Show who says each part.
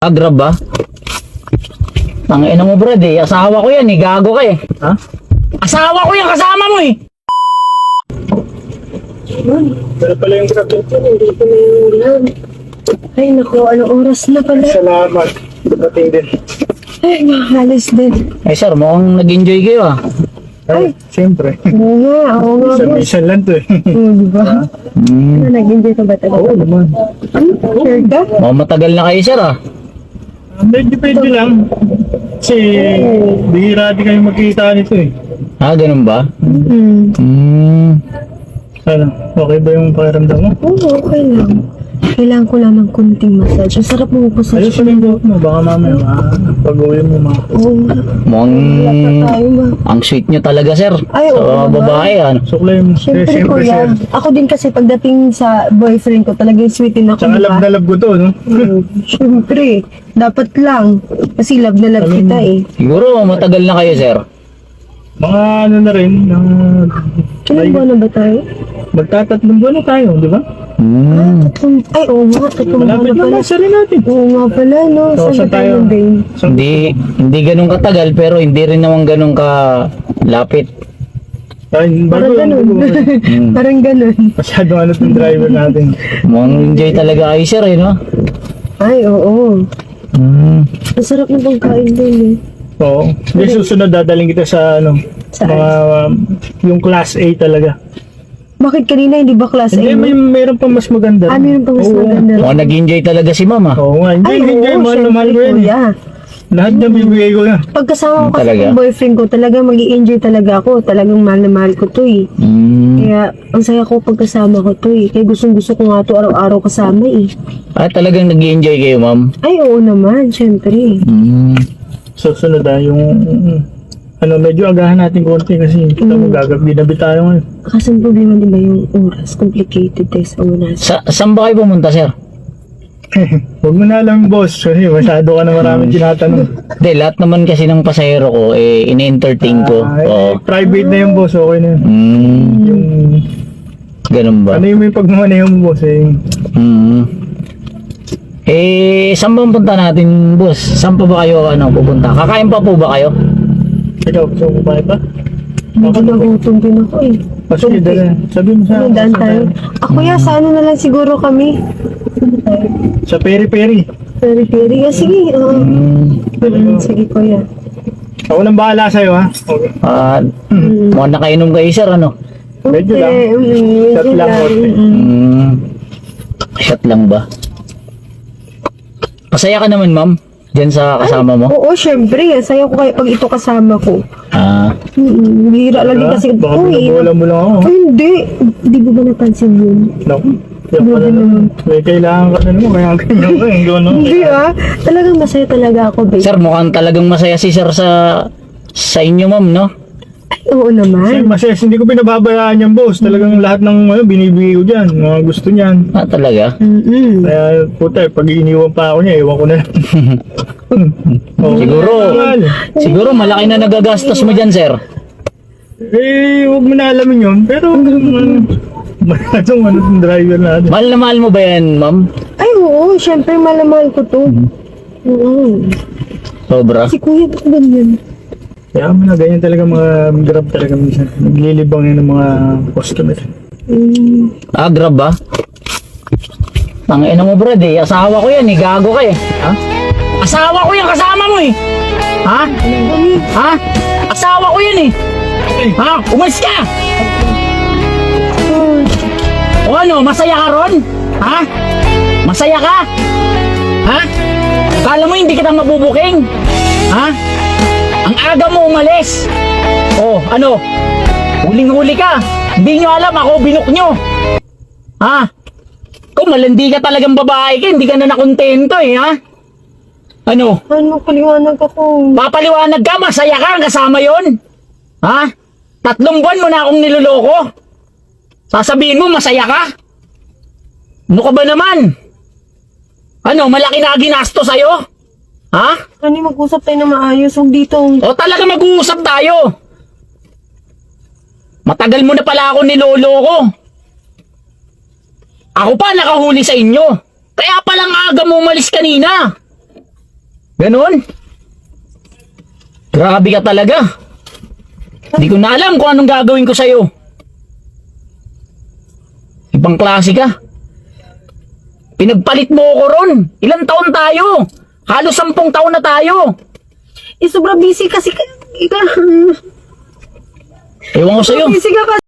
Speaker 1: Grab ba? Ang ina mo, Brad eh. Asawa ko yan eh. Gago ka eh.
Speaker 2: Ha?
Speaker 1: Asawa ko yan. Kasama mo eh.
Speaker 2: Pero pala yung grab dito. Hindi ko na yung ulam.
Speaker 3: Ay, naku, anong oras na pala?
Speaker 2: Salamat. Dating din.
Speaker 3: Ay, makahalis din.
Speaker 1: Eh sir, mukhang nag-enjoy kayo ah.
Speaker 2: Ay, siyempre.
Speaker 3: Oo nga, oo nga, boss.
Speaker 2: Minsan lang to eh.
Speaker 3: Diba? Ano, nag-enjoy ka ba talaga?
Speaker 2: Oo naman.
Speaker 3: Sure ka?
Speaker 1: Mukhang matagal na kayo sir ah.
Speaker 2: Medyo pwede lang. Kasi bihira di kayo magkita nito eh.
Speaker 1: Ah, ganun ba?
Speaker 3: Mm-hmm.
Speaker 2: Ano, okay ba yung pakiramdam mo?
Speaker 3: Oo, okay lang. Kailangan ko lang ng kunting massage. Ang sarap mo massage.
Speaker 2: Ayos pa yung buhok mo. Baka mamaya pag-uwi mo
Speaker 3: Oo nga.
Speaker 1: Mukhang
Speaker 3: Tayo ba?
Speaker 1: ang sweet nyo talaga sir.
Speaker 3: Ay, oo
Speaker 1: Sa
Speaker 3: naman.
Speaker 1: babae ano.
Speaker 2: suklay mo.
Speaker 3: Siyempre, kuya. Ako din kasi pagdating sa boyfriend ko, talagang sweetin ako.
Speaker 2: Tsaka
Speaker 3: diba?
Speaker 2: love na love ko to, no?
Speaker 3: Siyempre. Dapat lang. Kasi love na love kita eh.
Speaker 1: Siguro matagal na kayo sir.
Speaker 2: Mga ano na rin,
Speaker 3: Ilan buwan na ba tayo?
Speaker 2: magtatatlong buwan na tayo, di ba?
Speaker 3: Ay, oo nga. Tatlong buwan
Speaker 2: Malapit
Speaker 3: na
Speaker 2: na
Speaker 3: pala.
Speaker 2: nasa rin natin.
Speaker 3: Oo nga pala, no?
Speaker 2: So,
Speaker 3: Saan
Speaker 2: saan
Speaker 3: ba tayo
Speaker 2: tayo?
Speaker 3: babe?
Speaker 2: So,
Speaker 1: Hindi ganun katagal pero hindi rin naman ganun ka lapit.
Speaker 2: ay,
Speaker 3: Parang
Speaker 2: bago lang.
Speaker 3: ganun. Parang ganun.
Speaker 2: Masyado ano itong driver natin.
Speaker 1: Mukhang enjoy talaga kayo sir eh no?
Speaker 3: Ay, oo.
Speaker 1: Mm.
Speaker 3: Ang sarap ng pagkain din eh.
Speaker 2: Oo. Hindi, susunod dadaling kita sa ano,
Speaker 3: Saan?
Speaker 2: mga yung class A talaga.
Speaker 3: Bakit kanina hindi ba class A?
Speaker 2: Hindi, meron pa mas maganda.
Speaker 3: Ah, meron pa mas
Speaker 2: Oo.
Speaker 3: maganda.
Speaker 1: Mukhang nag-enjoy talaga si mama.
Speaker 2: Oo nga,
Speaker 3: Ay,
Speaker 2: hindi,
Speaker 3: oo,
Speaker 2: mahal na mahal ko
Speaker 3: syempre,
Speaker 2: yan. eh.
Speaker 3: kuya.
Speaker 2: Lahat na bibigay ko yan.
Speaker 3: Pagkasama ko kasi
Speaker 1: Talaga?
Speaker 3: ng boyfriend ko, talagang mag-i-enjoy talaga ako. Talagang mahal na mahal ko to eh. Kaya, ang saya ko pagkasama ko to eh. Kaya gustong gusto ko nga to araw-araw kasama eh.
Speaker 1: Ah, talagang nag-enjoy kayo ma'am?
Speaker 3: Ay, oo naman, syempre.
Speaker 2: Susunod yung ano, medyo agahan natin konti kasi kita mo gagabi tayo ngayon.
Speaker 3: Kasi ang problema di ba yung oras, complicated tayo sa oras.
Speaker 1: Saan ba kayo pumunta sir?
Speaker 2: Huwag mo na alam, boss, kasi masyado ka na maraming tinatanong.
Speaker 1: Hindi, lahat naman kasi ng pasahero ko, eh, ini-entertain ko. Oo.
Speaker 2: Private na yung boss, okay na yun. Yung,
Speaker 1: Ganun ba?
Speaker 2: ano yung may pagmamaneho mo, boss, eh.
Speaker 1: Saan ba ang punta natin, boss? Saan pa ba kayo pupunta? Kakain pa po ba kayo?
Speaker 2: Ikaw, gusto mo kumain pa?
Speaker 3: Hindi nagutom din ako eh.
Speaker 2: Sige, dala. Sabi mo sa
Speaker 3: Ano, daan tayo? Ako ya, sa ano na lang siguro kami.
Speaker 2: Sa peri-peri.
Speaker 3: Peri-peri. Ah, sige. Sige, kuya.
Speaker 2: Ako nang bahala sa'yo, ha? Okay.
Speaker 1: Mukhang nakainom kayo, sir, ano?
Speaker 2: Medyo lang. Shot
Speaker 3: Medyo
Speaker 2: lang, konti.
Speaker 1: Shot lang ba? Masaya ka naman, ma'am? Diyan sa kasama mo?
Speaker 3: Oo, syempre. Saya ko kayo pag ito kasama ko. Bihira lang din kasi.
Speaker 2: Baka
Speaker 3: Uy,
Speaker 2: binabola mo lang ako.
Speaker 3: ay, hindi. Hindi mo ba napansin yun?
Speaker 2: Naku. Kaya pala naman. May kailangan ka na naman, kaya ganyan ka, yung gano'n.
Speaker 3: Hindi ah. Talagang masaya talaga ako, babe.
Speaker 1: Sir, mukhang talagang masaya si sir sa inyo, ma'am, no?
Speaker 3: Ay, oo
Speaker 2: Kasi
Speaker 3: naman.
Speaker 2: masaya, hindi ko pinababayaan yan, boss. Talagang lahat ng binibigay ko dyan, mga gusto niyan.
Speaker 1: Ah, talaga?
Speaker 2: Kaya, puta, pag iniwan pa ako niya, iwan ko na lang.
Speaker 1: Siguro malaki na nagagastos mo dyan, sir.
Speaker 2: Huwag mo na alamin yun. Pero, masyadong yung driver natin.
Speaker 1: Mahal na mahal mo ba yan, ma'am?
Speaker 3: Ay, oo. Syempre, malamahal ko to. Oo.
Speaker 1: Sobra.
Speaker 3: Si kuya, ba't ganyan?
Speaker 2: Kaya na ganyan talaga mga grab talaga minsan. Naglilibang yun ng mga customer.
Speaker 1: Grab ba? Ang ina mo, Brad eh. Asawa ko yan eh. Gago ka eh. Ha? Asawa ko yan. Kasama mo eh. Ha? Ha? Asawa ko yan eh. Ha? Umalis ka! O ano? Masaya ka ron? Ha? Masaya ka? Ha? Kala mo hindi kita mabubuking? Ha? Ang aga mo umalis. Oh, ano? Huling-huli ka. Hindi nyo alam ako, binok nyo. Ha? Kung malandi ka talagang babae ka, hindi ka na nakontento eh, ha? Ano?
Speaker 3: Ano, paliwanag ako.
Speaker 1: Papaliwanag ka, masaya ka, kasama yon. Ha? 3 buwan mo na akong niloloko. Sasabihin mo, masaya ka? Ano ka ba naman? Ano, malaki na ginasto sa'yo? Ha?
Speaker 3: Ano, mag-usap tayo na maayos. Huwag dito.
Speaker 1: O talaga mag-uusap tayo. Matagal mo na pala ako niloloko. Ako pa nakahuli sa inyo. Kaya palang aga mo umalis kanina. Ganon? Grabe ka talaga. Hindi ko na alam kung anong gagawin ko sa'yo. Ibang klase ka. Pinagpalit mo ako ron. Ilang taon tayo? Halos 10 taon na tayo.
Speaker 3: Sobrang busy kasi
Speaker 1: Ewan ko sa'yo.
Speaker 3: busy ka